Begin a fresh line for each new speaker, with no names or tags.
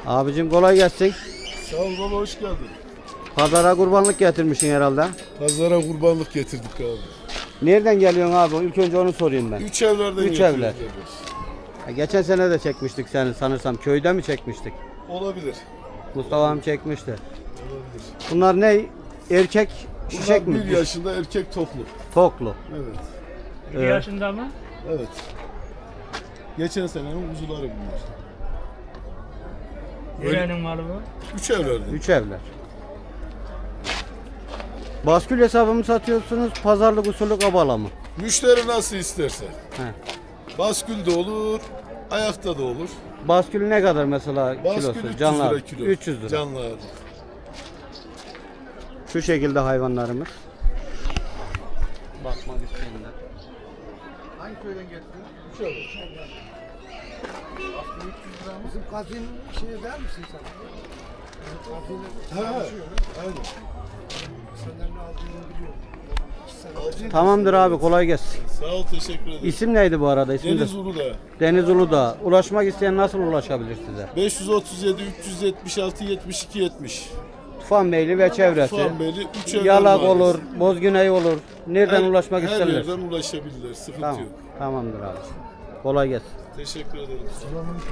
Abicim kolay gelsin.
Sağ ol baba, hoş geldin.
Pazara kurbanlık getirmişsin herhalde.
Pazara kurbanlık getirdik abi.
Nereden geliyorsun abi? İlk önce onu sorayım ben.
Üç evlerden
Üç
getiriyoruz
evler.
abi.
Geçen sene de çekmiştik seni sanırsam. Köyde mi çekmiştik?
Olabilir.
Mustafa'm çekmişti.
Olabilir.
Bunlar ne? Erkek şişek
Bunlar
mi?
1 yaşında erkek toplu.
Toklu.
Evet.
1 yaşında mı?
Evet. Geçen senenin kuzuları bunlar.
Nerenin malı bu?
Üç evlerden.
Üç evler. Baskül hesabı mı satıyorsunuz? Pazarlık usulü kabala mı?
Müşteri nasıl isterse.
He.
Baskül de olur, ayakta da olur.
Baskül ne kadar mesela
Baskül
kilosu?
300
Canlar.
lira kilo.
300 lira.
Canlar.
Şu şekilde hayvanlarımız. Bakmak isteyenler.
Hangi köyden getirdin?
Üç evler.
Bizim kazin şey der misin sen? Kazinin
He,
çalışıyor.
aynen.
Senden ne aldığını biliyorum.
Alcı-
Tamamdır abi, kolay gelsin.
Sağ ol, teşekkür ederim.
İsim neydi bu arada? İsmi
Deniz
de-
Uludağ.
Deniz Uludağ. Ulaşmak isteyen nasıl ulaşabilir size?
537 376 72 70.
Tufan Beyli ve çevresi.
Tufanbeyli 3 evler
Yalak
mahallesi.
olur, Bozgüney olur. Nereden ulaşmak
Her
isterler?
yerden ulaşabilirler. Sıkıntı
Tamam.
yok.
Tamamdır abi. Kolay gelsin.
Teşekkür ederim.